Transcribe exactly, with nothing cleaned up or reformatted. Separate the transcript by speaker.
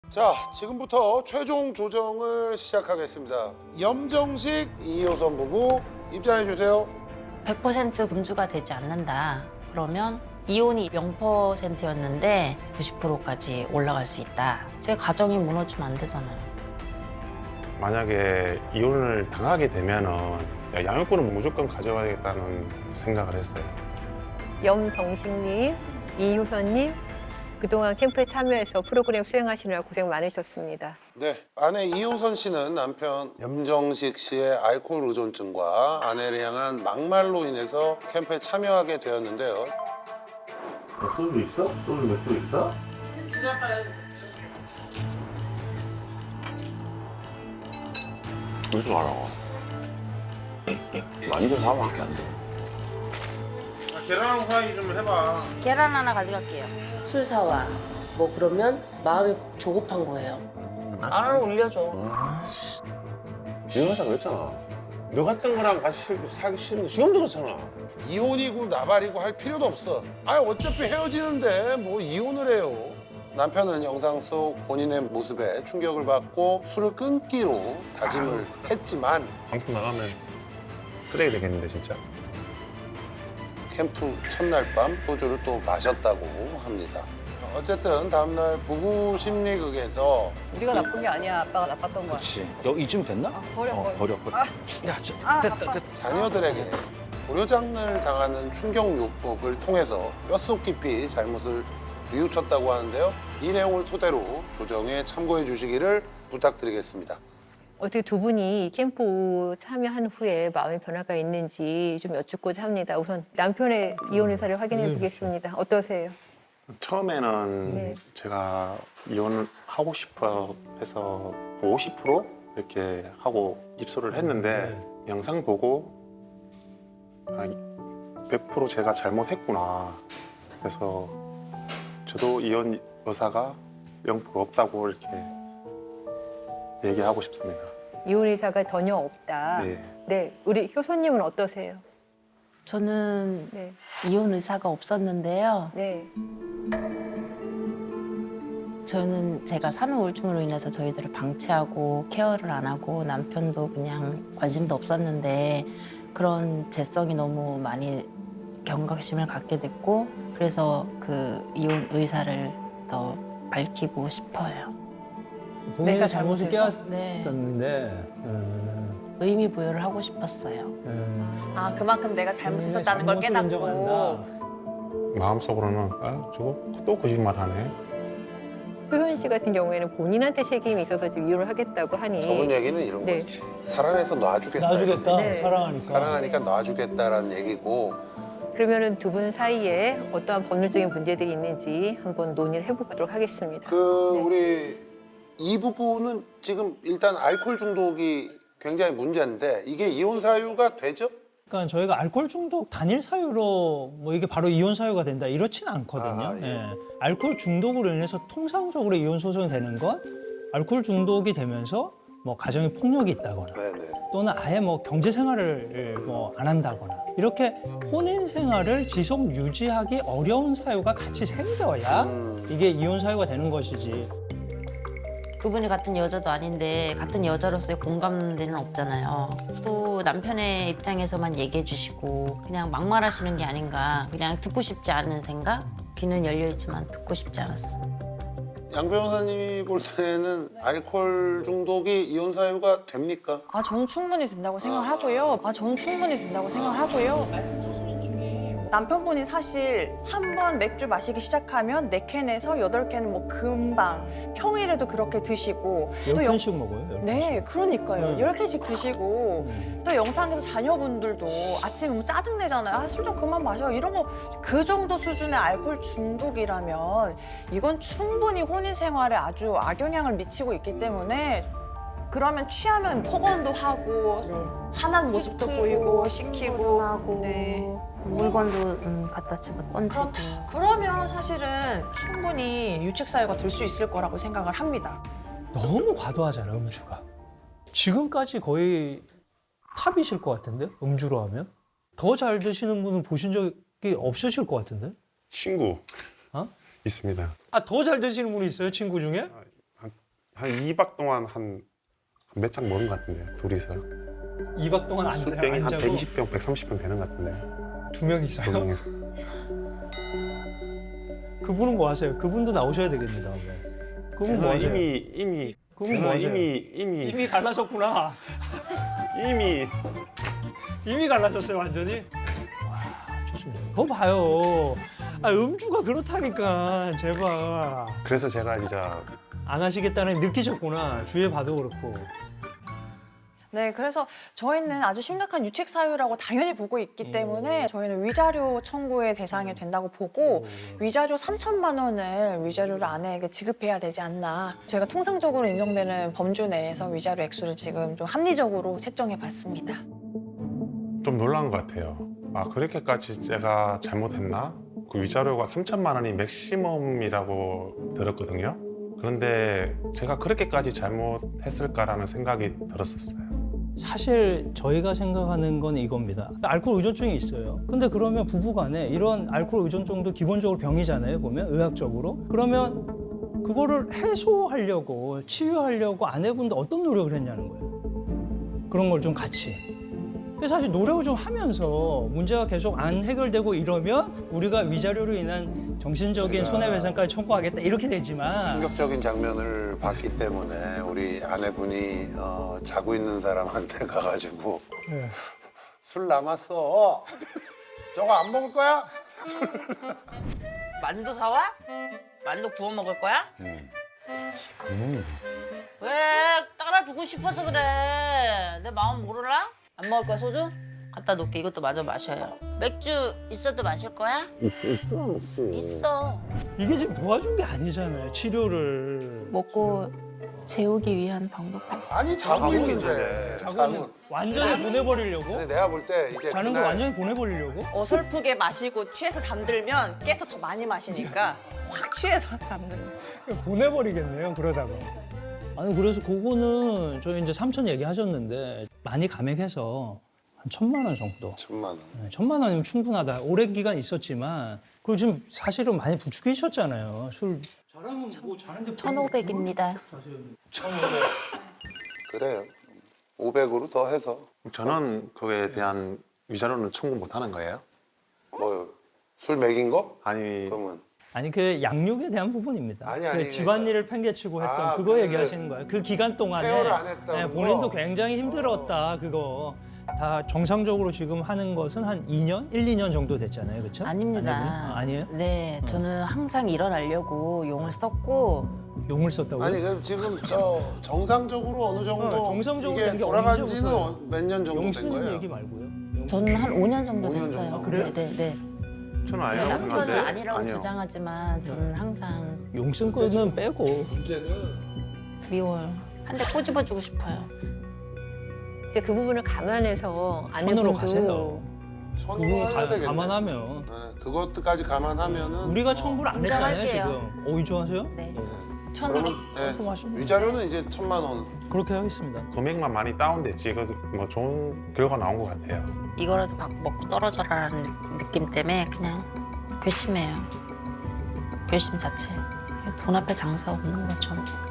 Speaker 1: 자, 지금부터 최종 조정을 시작하겠습니다. 염정식 이호선 부부 입장해 주세요.
Speaker 2: 백 퍼센트 금주가 되지 않는다. 그러면 이혼이 영 퍼센트였는데 구십 퍼센트까지 올라갈 수 있다. 제 가정이 무너지면 안 되잖아요.
Speaker 3: 만약에 이혼을 당하게 되면은 양육권은 무조건 가져가야겠다는 생각을 했어요.
Speaker 4: 염정식님, 이효현님, 그동안 캠프에 참여해서 프로그램 수행하시느라 고생 많으셨습니다.
Speaker 1: 네, 아내 이호선 씨는 남편 염정식 씨의 알코올 의존증과 아내를 향한 막말로 인해서 캠프에 참여하게 되었는데요.
Speaker 3: 소주 있어? 소주 맥주 있어?
Speaker 5: 무슨 알아? 완전 사밖에 안 돼.
Speaker 3: 계란 후라이 좀 해봐.
Speaker 2: 계란 하나 가져갈게요. 술 사와. 뭐 그러면 마음이 조급한 거예요. 안 올려줘.
Speaker 5: 이혼하자 그랬잖아. 너 같은 거랑 같이 살기 싫은 거 지금도 그렇잖아.
Speaker 1: 이혼이고 나발이고 할 필요도 없어. 아, 어차피 헤어지는데 뭐 이혼을 해요. 남편은 영상 속 본인의 모습에 충격을 받고 술을 끊기로 다짐을 했지만
Speaker 3: 방송 나가면 쓰레기 되겠는데 진짜.
Speaker 1: 캠프 첫날 밤 소주를 또 마셨다고 합니다. 어쨌든 다음날 부부 심리극에서
Speaker 6: 우리가 나쁜 게 아니야. 아빠가 나빴던 거야.
Speaker 5: 그렇지. 여기 이쯤 됐나?
Speaker 6: 아, 버려,
Speaker 5: 어,
Speaker 6: 버려.
Speaker 5: 버려, 버려.
Speaker 6: 아.
Speaker 5: 야, 저,
Speaker 6: 아,
Speaker 5: 됐다,
Speaker 6: 아빠.
Speaker 5: 됐다.
Speaker 1: 자녀들에게 고려장을 당하는 충격요법을 통해서 뼛속 깊이 잘못을 뉘우쳤다고 하는데요. 이 내용을 토대로 조정에 참고해 주시기를 부탁드리겠습니다.
Speaker 4: 어떻게 두 분이 캠프 참여한 후에 마음의 변화가 있는지 좀 여쭙고자 합니다. 우선 남편의 이혼 의사를 확인해 보겠습니다. 어떠세요?
Speaker 3: 처음에는
Speaker 4: 네.
Speaker 3: 제가 이혼을 하고 싶어 해서 오십 퍼센트 이렇게 하고 입소를 했는데 영상 보고 아, 백 퍼센트 제가 잘못했구나. 그래서 저도 이혼 의사가 영 퍼센트 없다고 이렇게 얘기하고 싶습니다.
Speaker 4: 이혼 의사가 전혀 없다.
Speaker 3: 네.
Speaker 4: 네, 우리 효소님은 어떠세요?
Speaker 2: 저는
Speaker 4: 네,
Speaker 2: 이혼 의사가 없었는데요.
Speaker 4: 네,
Speaker 2: 저는 제가 산후 우울증으로 인해서 저희들을 방치하고 케어를 안 하고 남편도 그냥 관심도 없었는데 그런 재성이 너무 많이 경각심을 갖게 됐고 그래서 그 이혼 의사를 더 밝히고 싶어요.
Speaker 7: 본인의
Speaker 6: 내가
Speaker 7: 잘못을
Speaker 6: 잘못해서?
Speaker 7: 깨닫었는데 음,
Speaker 2: 의미 부여를 하고 싶었어요.
Speaker 7: 음,
Speaker 8: 아 그만큼 내가 잘못했었다는 걸
Speaker 7: 잘못을
Speaker 8: 깨닫고
Speaker 7: 인정한다.
Speaker 3: 마음속으로는 아, 저거 또 거짓말하네.
Speaker 4: 효현 씨 같은 경우에는 본인한테 책임이 있어서 지금 이혼을 하겠다고 하니
Speaker 1: 저번 얘기는 이런
Speaker 4: 네.
Speaker 1: 거지. 사랑해서 놔주겠다.
Speaker 7: 놔주겠다.
Speaker 4: 네.
Speaker 7: 사랑하니까.
Speaker 1: 사랑하니까 놔주겠다라는 얘기고
Speaker 4: 그러면은 두 분 사이에 어떠한 법률적인 문제들이 있는지 한번 논의를 해보도록 하겠습니다.
Speaker 1: 그
Speaker 4: 네.
Speaker 1: 우리 이 부부는 지금 일단 알코올 중독이 굉장히 문제인데 이게 이혼 사유가 되죠?
Speaker 7: 그러니까 저희가 알코올 중독 단일 사유로 뭐 이게 바로 이혼 사유가 된다 이렇지는 않거든요.
Speaker 1: 아, 예.
Speaker 7: 예. 알코올 중독으로 인해서 통상적으로 이혼 소송이 되는 건 알코올 중독이 되면서 뭐 가정에 폭력이 있다거나
Speaker 1: 네네.
Speaker 7: 또는 아예 뭐 경제 생활을 뭐 안 한다거나 이렇게 혼인 생활을 지속 유지하기 어려운 사유가 같이 생겨야
Speaker 1: 음.
Speaker 7: 이게 이혼 사유가 되는 것이지.
Speaker 2: 그분이 같은 여자도 아닌데 같은 여자로서의 공감대는 없잖아요. 또 남편의 입장에서만 얘기해 주시고 그냥 막말하시는 게 아닌가. 그냥 듣고 싶지 않은 생각? 귀는 열려있지만 듣고 싶지 않았어요.
Speaker 1: 양 변호사님이 볼 때는 알코올 중독이 이혼 사유가 됩니까?
Speaker 8: 아 저는 충분히 된다고 생각을 하고요. 아 저는 충분히 된다고 생각을 하고요.
Speaker 6: 남편분이 사실 한 번 맥주 마시기 시작하면 네 캔에서 여덟 캔은 뭐 금방 평일에도 그렇게 드시고
Speaker 7: 열
Speaker 6: 또 영-
Speaker 7: 캔씩 먹어요. 열
Speaker 6: 네,
Speaker 7: 캔씩.
Speaker 6: 그러니까요.
Speaker 7: 네.
Speaker 6: 열 캔씩 드시고 또 영상에서 자녀분들도 아침에 뭐 짜증내잖아요. 아, 술 좀 그만 마셔. 이런 거 그 정도 수준의 알코올 중독이라면 이건 충분히 혼인 생활에 아주 악영향을 미치고 있기 때문에 그러면 취하면 폭언도 하고 화난 모습도 보이고 시키고
Speaker 2: 하고
Speaker 6: 네.
Speaker 2: 물건도 음, 갖다 집어 던지고.
Speaker 6: 그러면 사실은 충분히 유책 사유가 될 수 있을 거라고 생각을 합니다.
Speaker 7: 너무 과도하잖아 음주가. 지금까지 거의 탑이실 것 같은데 음주로 하면 더 잘 드시는 분은 보신 적이 없으실 것 같은데.
Speaker 3: 친구
Speaker 7: 어?
Speaker 3: 있습니다.
Speaker 7: 아 더 잘 드시는 분이 있어요 친구 중에?
Speaker 3: 한 한 이 박 동안 한 몇 장 먹은 것 같은데 둘이서
Speaker 7: 이 박 동안 앉아,
Speaker 3: 술병이 한
Speaker 7: 앉아고
Speaker 3: 백이십 병, 백삼십 병 되는 것 같은데
Speaker 7: 두 명
Speaker 3: 두
Speaker 7: 있어요?
Speaker 3: 명이서.
Speaker 7: 그분은 뭐 하세요? 그분도 나오셔야 되겠니다. 그분 뭐
Speaker 3: 저는
Speaker 7: 하세요?
Speaker 3: 이미 이미
Speaker 7: 그분
Speaker 3: 저는
Speaker 7: 뭐 하세요?
Speaker 3: 이미 이미
Speaker 7: 이미 갈라졌구나.
Speaker 3: 이미
Speaker 7: 이미 갈라졌어요 완전히. 와 좋습니다. 그거 봐요. 아 음주가 그렇다니까 제발.
Speaker 3: 그래서 제가 이제
Speaker 7: 안 하시겠다는 느끼셨구나. 주위에 봐도 그렇고.
Speaker 6: 네, 그래서 저희는 아주 심각한 유책 사유라고 당연히 보고 있기 때문에 저희는 위자료 청구의 대상이 된다고 보고 위자료 삼천만 원을 위자료를 아내에게 지급해야 되지 않나. 저희가 통상적으로 인정되는 범주 내에서 위자료 액수를 지금 좀 합리적으로 책정해 봤습니다.
Speaker 3: 좀 놀란 것 같아요. 아 그렇게까지 제가 잘못했나? 그 위자료가 삼천만 원이 맥시멈이라고 들었거든요. 그런데 제가 그렇게까지 잘못했을까라는 생각이 들었었어요.
Speaker 7: 사실 저희가 생각하는 건 이겁니다. 알코올 의존증이 있어요. 근데 그러면 부부간에 이런 알코올 의존증도 기본적으로 병이잖아요. 보면 의학적으로. 그러면 그거를 해소하려고 치유하려고 아내분도 어떤 노력을 했냐는 거예요. 그런 걸 좀 같이. 그래서 사실 노력을 좀 하면서 문제가 계속 안 해결되고 이러면 우리가 위자료로 인한 정신적인
Speaker 1: 저희가
Speaker 7: 손해배상까지 청구하겠다 이렇게 되지만
Speaker 1: 충격적인 장면을 봤기 때문에 우리 아내분이 어, 자고 있는 사람한테 가가지고
Speaker 7: 네.
Speaker 1: 술 남았어. 저거 안 먹을 거야?
Speaker 2: 만두 사와? 만두 구워 먹을 거야? 왜 따라주고 싶어서 그래. 내 마음 모르라? 안 먹을 거야 소주? 갖다 놓게. 이것도 마저 마셔요. 맥주 있어도 마실 거야? 있어 있어 있어.
Speaker 7: 이게 지금 도와준 게 아니잖아요. 치료를.
Speaker 2: 먹고 재우기 위한 방법도 있어.
Speaker 1: 아니 자고
Speaker 3: 자고
Speaker 1: 있는데.
Speaker 7: 자고는 완전히 보내버리려고?
Speaker 1: 근데 내가 볼 때 이제
Speaker 7: 자는 거
Speaker 1: 그날
Speaker 7: 완전히 보내버리려고?
Speaker 6: 어설프게 마시고 취해서 잠들면 깨서 더 많이 마시니까 확 취해서 잠들면.
Speaker 7: 보내버리겠네요, 그러다가. 아니, 그래서 그거는 저희 이제 삼천 얘기하셨는데 많이 감액해서 한 천만 원 정도.
Speaker 1: 천만 원.
Speaker 7: 네, 천만 원이면 충분하다. 오랜 기간 있었지만 그리고 지금 사실은 많이 부추기셨잖아요. 술. 잘하면 뭐 잘하는데
Speaker 2: 천오백입니다.
Speaker 1: 그래요. 오백으로 더 해서
Speaker 3: 저는 그거에 대한 위자료는 청구 못 하는 거예요?
Speaker 1: 뭐 술 먹인 거?
Speaker 3: 아니
Speaker 1: 그러면
Speaker 7: 아니 그 양육에 대한 부분입니다.
Speaker 1: 아니, 아니,
Speaker 7: 그 집안일을 팽개치고 했던
Speaker 1: 아,
Speaker 7: 그거
Speaker 1: 그
Speaker 7: 얘기하시는 거예요. 그 기간 동안에
Speaker 1: 케어를 안 했다는
Speaker 7: 네, 본인도
Speaker 1: 거?
Speaker 7: 굉장히 힘들었다. 그거 다 정상적으로 지금 하는 것은 한 이 년, 일, 이 년 정도 됐잖아요, 그렇죠?
Speaker 2: 아닙니다.
Speaker 7: 아니에요?
Speaker 2: 네, 저는 항상 일어나려고 용을 썼고
Speaker 7: 용을 썼다고요?
Speaker 1: 아니 그럼 지금 저 정상적으로 어느 정도
Speaker 7: 어, 정상적으로
Speaker 1: 이게
Speaker 7: 된게
Speaker 1: 돌아간
Speaker 7: 언제부터예요?
Speaker 1: 지는 몇 년 정도
Speaker 7: 용
Speaker 1: 된
Speaker 7: 쓰는
Speaker 1: 거예요?
Speaker 7: 얘기 말고요.
Speaker 2: 저는 한 오 년 정도
Speaker 1: 오 년
Speaker 2: 됐어요.
Speaker 1: 정도?
Speaker 7: 그래요?
Speaker 2: 네, 네, 네.
Speaker 3: 저는 아니라고
Speaker 2: 남편은
Speaker 3: 생각하는데
Speaker 2: 아니라고
Speaker 3: 아니요.
Speaker 2: 주장하지만 저는 항상
Speaker 7: 용 쓴 거는 빼고
Speaker 1: 문제는
Speaker 2: 미워요. 한 대 꼬집어주고 싶어요.
Speaker 4: 이제 그 부분을 감안해서
Speaker 7: 천으로
Speaker 4: 아내분도
Speaker 7: 가세요.
Speaker 1: 천으로
Speaker 7: 그거
Speaker 1: 해야
Speaker 7: 가-
Speaker 1: 되겠네.
Speaker 7: 감안하면
Speaker 1: 네, 그것까지 감안하면은
Speaker 7: 우리가 청구를 안 했잖아요,
Speaker 2: 인정할게요.
Speaker 7: 지금. 오이 좋아하세요?
Speaker 2: 네.
Speaker 6: 천으로.
Speaker 1: 그러면 네,
Speaker 7: 고맙습니다.
Speaker 1: 위자료는 이제 천만 원.
Speaker 7: 그렇게 하겠습니다.
Speaker 3: 금액만 많이 다운됐지 그 뭐 좋은 결과 나온 것 같아요.
Speaker 2: 이거라도 막 먹고 떨어져라라는 느낌 때문에 그냥 괘씸해요. 괘씸 자체. 돈 앞에 장사 없는 거죠.